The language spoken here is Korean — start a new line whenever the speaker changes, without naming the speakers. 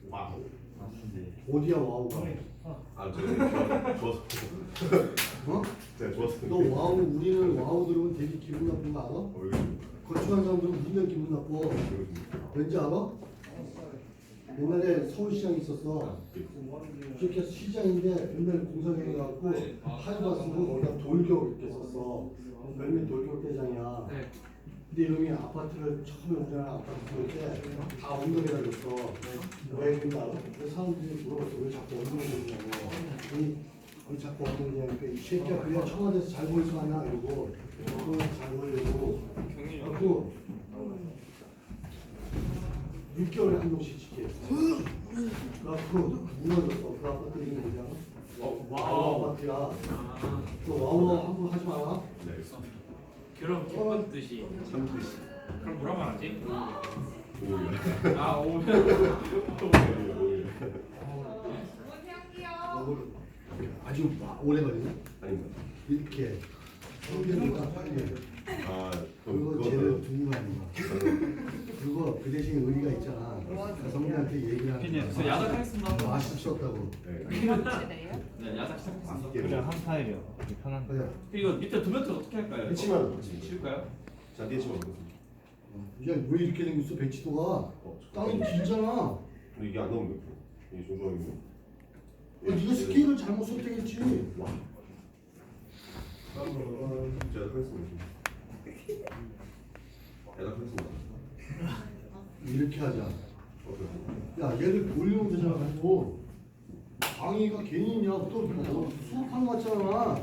와우.
어디야 와우가?
아, 저 좋아서.
어?
제가 좋아서.
너 와우 우리는 와우 들으면 되게 기분 나쁜 거 알아?
왜
거주한 사람들은 우리가 기분 나빠. 왠지 알아? 옛날에 서울시장에 있었어. 이렇게 시장인데 옛날 공사장에 갖고 하이바 쓰고 거기다 돌격 이렇게 썼어. 몇몇 돌격 대장이야. 근데 이놈이 아파트를 처음에 우리나라 아파트 지을 때다 엉덩이라 줬어. 왜 그런지 알아? 그래서 사람들이 물어봤어. 왜 자꾸 엉덩이냐고. 왜 자꾸 엉덩이냐니까 이 새끼야 그냥 청와대에서 잘 보이지 않나 이러고 잘 보이려고. 그리고 6개월에 한 명씩 지켜. 그래갖고 무너졌어. 그 아파트 이름이 뭐냐? 와우 아파트야. 그 와우 함부로 하지 마라.
네.
그럼 기쁜 뜻이.
참듯이.
그럼 뭐라 말하지?
오히려.
아 오면.
아주 오래 걸리네.
아닙니다.
이렇게 성경보다 빨리.
아,
그리고
그럼
쟤는 두고 가는 거야. 그리고 그 대신 의리가 있잖아. 그 성경한테 얘기를 하는
저 야자 하겠습니다.
맛있었다고.
네.
네 야자 시작했습니다.
그냥 한 타일이요. 편한데.
그래.
이거 밑에 두면트 어떻게 할까요?
해치만 같이.
칠까요?
잔디 해치만 먹겠습니다.
야, 왜 이렇게 생겼어? 배치도가 땅이 길잖아.
근데 이게 안 나오면 몇 프로? 이게 조조하겠네.
네가 스케일을 잘못 선택했지.
제가 하겠습니다. 대답하겠습니다.
이렇게 하자.
어때요?
야, 얘를 돌리면 되잖아. 가지고 강의가 괜히 있냐? 또 수업하는 거 같잖아.